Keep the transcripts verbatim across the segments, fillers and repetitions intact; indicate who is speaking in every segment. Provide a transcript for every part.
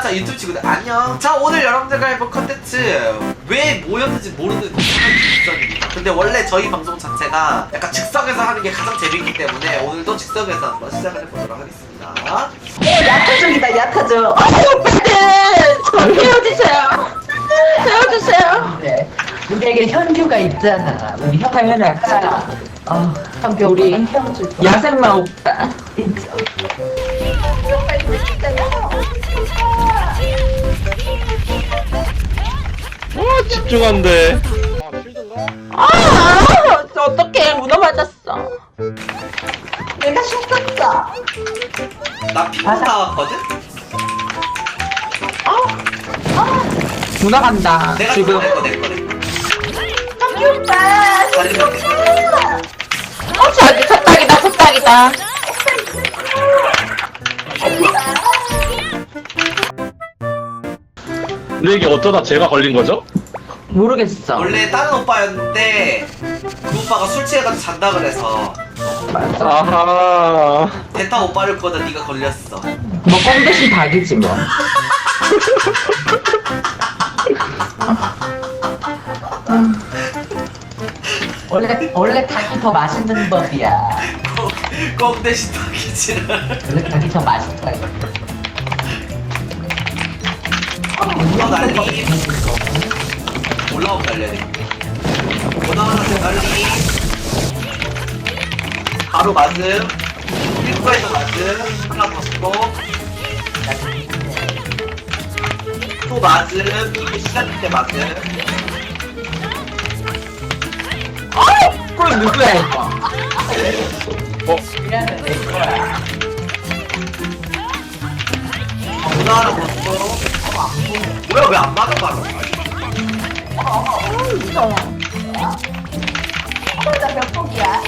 Speaker 1: 자 유튜브 친구들 안녕. 자 오늘 여러분들과 해볼 컨텐츠 왜 모였는지 모르는 이상한 직선입니다. 근데 원래 저희 방송 자체가 약간 즉석에서 하는 게 가장 재밌기 때문에 오늘도 즉석에서 한번 시작을 해보도록 하겠습니다.
Speaker 2: 어, 야타족이다, 야타족. 어, 오빠들! 저 헤어지세요. 헤어지세요. 네. 우리에게 현규가 있잖아. 우리 형 당연히 알잖아. 어, 현규, 우리 헤어질 거야. 야생마 오빠. 있죠. 오빠 이거 있잖아.
Speaker 3: 아 집중한데.
Speaker 2: 아, 어떡해. 문어 맞았어. 내가 셨었어.
Speaker 1: 나 피부 나왔거든?
Speaker 2: 문어 간다.
Speaker 1: 내가
Speaker 2: 지금.
Speaker 1: 내거 내거 내거
Speaker 2: 현규 오빠.
Speaker 1: 다리는 내거.
Speaker 2: 어, 저기 첫딱이다, 첫딱이다.
Speaker 3: 근데 이게 어쩌다 제가 걸린 거죠?
Speaker 2: 모르겠어.
Speaker 1: 원래 다른 오빠였는데 그 오빠가 술 취해가지고 잔다 그래서
Speaker 2: 맞아.
Speaker 3: 아하.
Speaker 1: 대타 오빠를 거다 네가 걸렸어.
Speaker 2: 뭐, 껌 대신 닭이지, 뭐. 원래, 원래 닭이 더 맛있는 법이야.
Speaker 1: 껌 대신 닭이지.
Speaker 2: 원래 닭이 더 맛있다.
Speaker 1: 어 난리. 올라오면 날려야 돼. 올라오면 날리. 바로 맞음. 핑크에서 맞음. 하나 더 쓰고. 또 맞음. 이게 시작할 때 맞음.
Speaker 2: 그럼 누구야, 이거?
Speaker 3: 어?
Speaker 2: 미안해, 내 거야.
Speaker 1: 문어 하나 더 쓰고. 뭐야 왜 안 맞아 맞아.
Speaker 2: 무서워. 나몇 폭이야?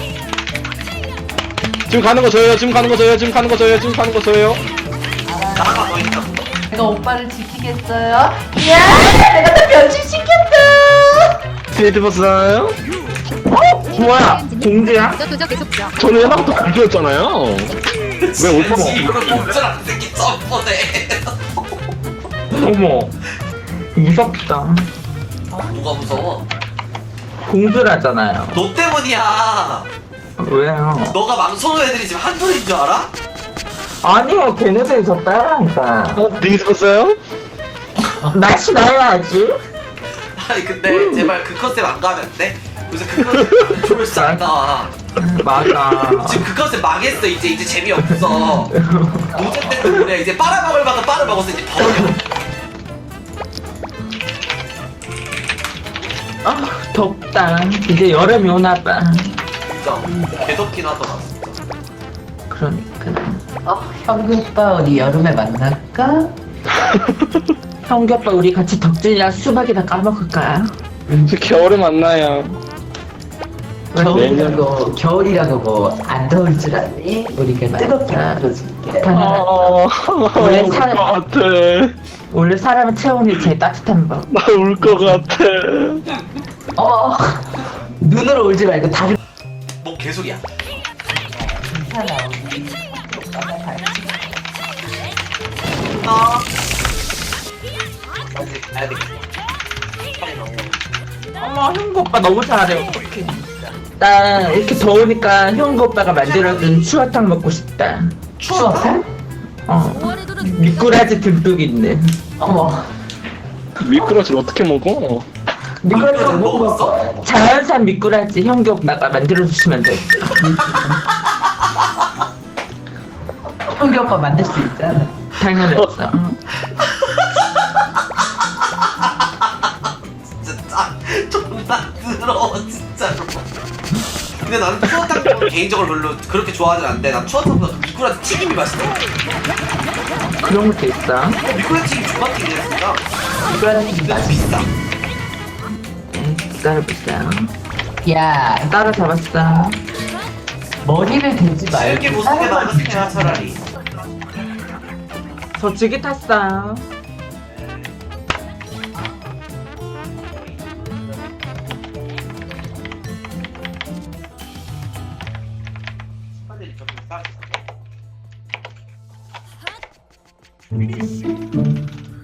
Speaker 3: 지금 가는 거 저예요. 지금 가는 거 저예요. 지금 가는 거 저예요. 지금 가는 거 저예요.
Speaker 1: 나가 너 있다.
Speaker 2: 내가 오빠를 지키겠어요? 야, 내가 다 변신시켰다.
Speaker 3: 스테이트 봤어요?
Speaker 2: 어? 뭐야? 공주야?
Speaker 4: 도저 도저 계속 줘.
Speaker 3: 저는 예나부터 공주였잖아요. 왜 오빠?
Speaker 1: 이거 공짜라는 새끼 점퍼네.
Speaker 2: 어머, 무섭다.
Speaker 1: 누가 무서워?
Speaker 2: 공주라잖아요.
Speaker 1: 너 때문이야.
Speaker 2: 왜요?
Speaker 1: 너가 망설여 애들이 지금 한둘인 줄 알아?
Speaker 2: 아니요, 걔네들이 저 따라하니까.
Speaker 3: 어? 딩스 봤어요?
Speaker 2: 날씨 나야지.
Speaker 1: 아니 근데 제발 그 컨셉 안 가면 안 돼? 요새 그 컨셉 조회수 안 나와.
Speaker 2: 맞아.
Speaker 1: 지금 그 컨셉 망했어. 이제 이제 재미없어. 노제 때문에 이제 빨아먹을 만큼 빨아먹었어. 이제 버려.
Speaker 2: 아, 덥다. 이제 여름이 오나봐.
Speaker 1: 진짜 개덥긴 하더라.
Speaker 2: 그러니까. 어, 형규 오빠 우리 여름에 만날까? 형규 오빠 우리 같이 덕질이랑 수박이나 까먹을까?
Speaker 3: 이제 겨울에 만나요.
Speaker 2: 겨울이라고 겨울이라고 뭐 안 더울 줄 알니? 우리가 뜨겁게 만들어줄게.
Speaker 3: 어,
Speaker 2: 원래
Speaker 3: 울것
Speaker 2: 살-
Speaker 3: 같아.
Speaker 2: 원래 사람의 체온이 제일 따뜻한 법.
Speaker 3: 나 울 것 같아.
Speaker 2: 어, 눈으로 울지 말고 다리.
Speaker 1: 뭐 개소리야.
Speaker 2: 괜찮아 우리 오빠가 잘.
Speaker 1: 어. 아직 가야 되겠어. 빨리 넣어.
Speaker 2: 어머, 형구 오빠 너무 잘해. 어떡해. 나 이렇게 더우니까 형구 오빠가 만들어준 추어탕 먹고 싶다. 추어탕? 어. 미꾸라지 듬뿍 있는. 어머.
Speaker 3: 미끄러지를 어떻게 먹어?
Speaker 2: 미꾸라지
Speaker 1: 아,
Speaker 2: 못
Speaker 1: 먹었어?
Speaker 2: 먹어. 자연산 미꾸라지 형규 오빠가 만들어주시면 돼. 형규 오빠 만들 수 있잖아. 당연했어.
Speaker 1: 진짜 존나 더러워 진짜로. 근데 나는 추어탕 개인적으로 별로 그렇게 좋아하진 않는데 난 추어탕보다 미꾸라지 튀김이 맛있어.
Speaker 2: 그런 것도 있어.
Speaker 1: 미꾸라지 튀김 존나 튀김이었으니까.
Speaker 2: 미꾸라지
Speaker 1: 근데
Speaker 2: 맛있어.
Speaker 1: 비싸.
Speaker 2: 기다려보세요. 야, 따라잡았어. 머리를 대지 말고.
Speaker 1: 이렇게 무섭게 나가세요 차라리.
Speaker 2: 저 지기 탔어요.
Speaker 1: 스파들이 좀 싸게.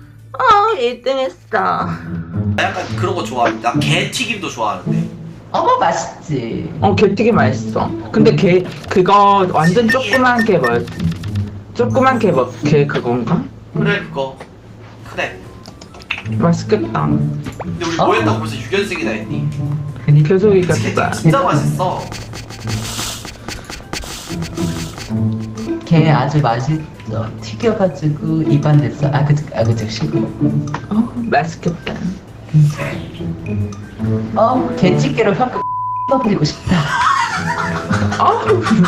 Speaker 2: 일 등 했어.
Speaker 1: 나 약간 그런 거 좋아합니다. 게 튀김도 좋아하는데.
Speaker 2: 어머 맛있지.
Speaker 4: 어, 게튀김 맛있어. 근데 게, 그거 완전 조그만 게 뭐, 조그만 게 뭐, 게 그건가?
Speaker 1: 그래 그거. 그래.
Speaker 4: 맛있겠다.
Speaker 1: 근데 우리
Speaker 2: 어?
Speaker 1: 뭐 했다고 벌써 육 연승이나 했니?
Speaker 4: 개소리가
Speaker 1: 게
Speaker 4: 진짜.
Speaker 1: 진짜 맛있어.
Speaker 2: 게 아주 맛있어. 튀겨가지고 입안에서 아그득 아그득 씹고.
Speaker 4: 어, 맛있겠다.
Speaker 2: 어, 게찌개로 현금 떠버리고 싶다.
Speaker 4: 어,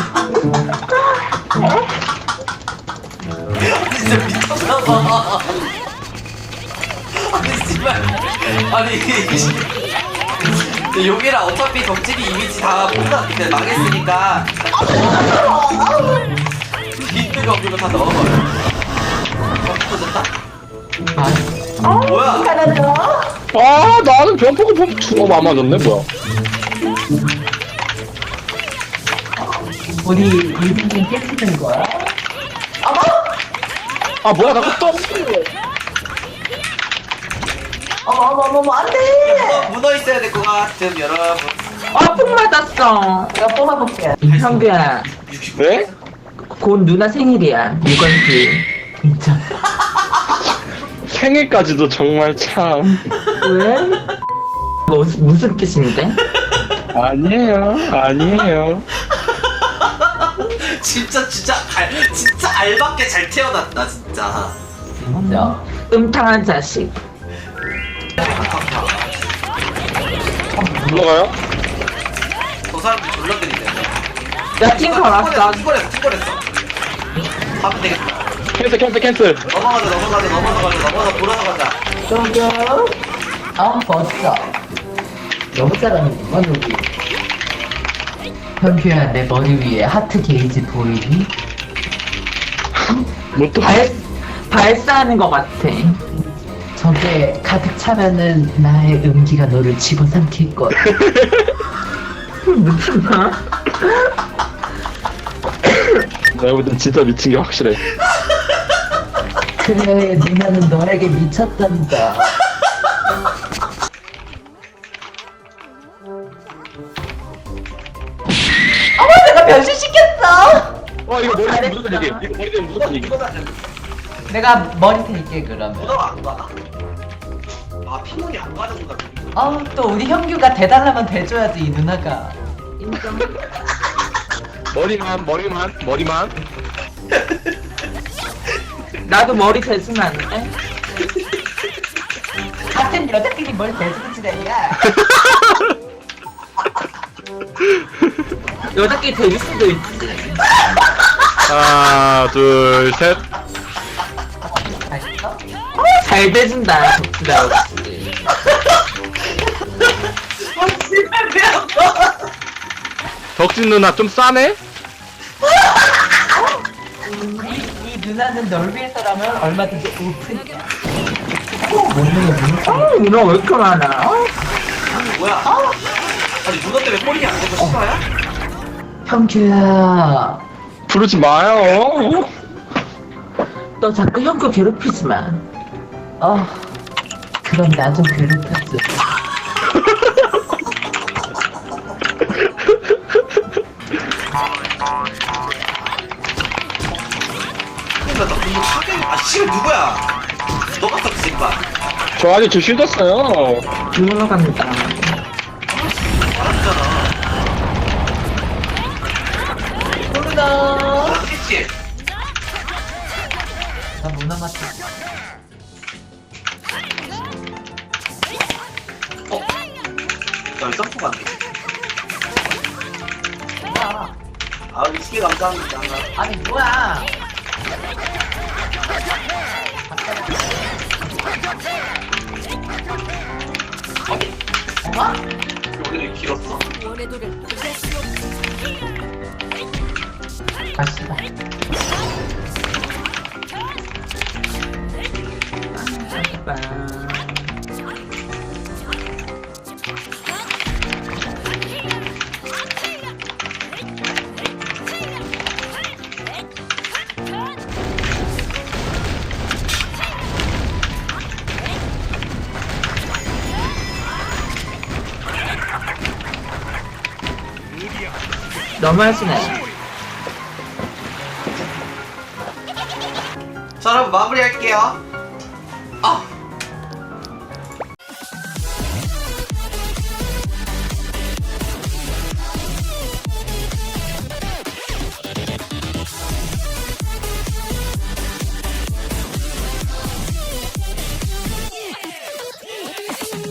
Speaker 1: 진짜 미쳤나봐. 아니 씨발. 아니 이게 용이랑 어차피 덕질이 이미지 다 뽑아 근데 망했으니까 빈트가 없는 거 다 넣어버려. 어, 터졌다?
Speaker 2: 아,
Speaker 1: 뭐야?
Speaker 2: 하나 더.
Speaker 3: 아 나는 변포가 범 어, 안 맞았네 뭐야.
Speaker 2: 우리 일등이 깨지는 거야? 어머!
Speaker 3: 아 뭐야 나 또.
Speaker 2: 어머 어머 어머 어머 안돼!
Speaker 1: 문어, 문어 있어야 될 것 같음 여러분.
Speaker 4: 어, 푹 맞았어.
Speaker 2: 내가 뽑아볼게.
Speaker 4: 형규야,
Speaker 3: 네?
Speaker 4: 곧 누나 생일이야. 유건지.
Speaker 2: 진짜.
Speaker 3: 생일까지도 정말 참.
Speaker 4: 왜? 뭐, 무슨 뜻인데?
Speaker 3: 아니에요 아니에요.
Speaker 1: 진짜 진짜 알 진짜 알밖에 잘 태어났다 진짜.
Speaker 2: 진짜.
Speaker 4: 음탕한 자식.
Speaker 3: 올라가요?
Speaker 1: 저 사람들 졸라 때리네.
Speaker 4: 야, 팀 걸었어.
Speaker 1: 팀걸했어 팀걸했어. 하면 되겠다.
Speaker 3: 캔슬 캔슬 캔슬.
Speaker 1: 넘어가자 넘어가자 넘어가자 넘어가 돌아서 가자.
Speaker 2: 조금. 아 멋져. 너무 잘하는구만 우리. 현규야 내 머리 위에 하트 게이지 보이니?
Speaker 3: 뭐또
Speaker 4: 발, 발사하는 것 같아.
Speaker 2: 저게 가득 차면은 나의 음기가 너를 집어삼킬 거야.
Speaker 4: 미친나?
Speaker 3: 내가 볼 땐 진짜 미친 게 확실해.
Speaker 2: 그래 누나는 너에게 미쳤단다. 어머 내가 변신시켰어.
Speaker 3: 와 이거 머리 되면 무조건 얘기해. 이거 머리 되면 무조건 얘기해.
Speaker 2: 내가 머리 될게 그러면.
Speaker 1: 문어가 안 가나? 아 피문이 안 가는구나.
Speaker 2: 어또 우리 현규가 대달라면 대줘야지 이 누나가.
Speaker 3: 머리만 머리만 머리만.
Speaker 4: 나도 머리 대주면 안 돼?
Speaker 2: 같은 여자끼리 뭘 대주는 지랄이야.
Speaker 4: 여자끼리 대줄 수도 있지.
Speaker 3: 하나 둘 셋.
Speaker 2: 맛있어?
Speaker 4: 잘 대준다, 덕지가 역시.
Speaker 3: 덕진 누나 좀 싸네?
Speaker 2: 이, 이 누나는 널 위해서라면 얼마든지 오픈이야. 먹는 거 먹는 거.
Speaker 4: 어, 누나 왜 이렇게 많아? 어?
Speaker 1: 뭐야? 아니 문어 때문에 꼬리 안 되고 싫어요?
Speaker 2: 현규야.
Speaker 3: 부르지 마요.
Speaker 4: 너 자꾸 형규 괴롭히지 마.
Speaker 2: 어. 그럼 나 좀 괴롭혔어.
Speaker 1: 근데 나 문어 사귀는 아 씨발 누구야? 너가 떴지 임마.
Speaker 3: 저 아직 저 쉴드었어요.
Speaker 4: 누나 갑니다.
Speaker 1: 알았잖아.
Speaker 2: 누나.
Speaker 1: 알았겠지?
Speaker 2: 나 문화 맞춰.
Speaker 1: 어? 나 점프 갔네.
Speaker 2: 야.
Speaker 1: 아 위스키 감사합니다.
Speaker 2: 아니 뭐야? 엄마?
Speaker 1: 여기는 길었어.
Speaker 2: 가시다.
Speaker 4: 너무 하시네.
Speaker 1: 자 여러분 마무리할게요.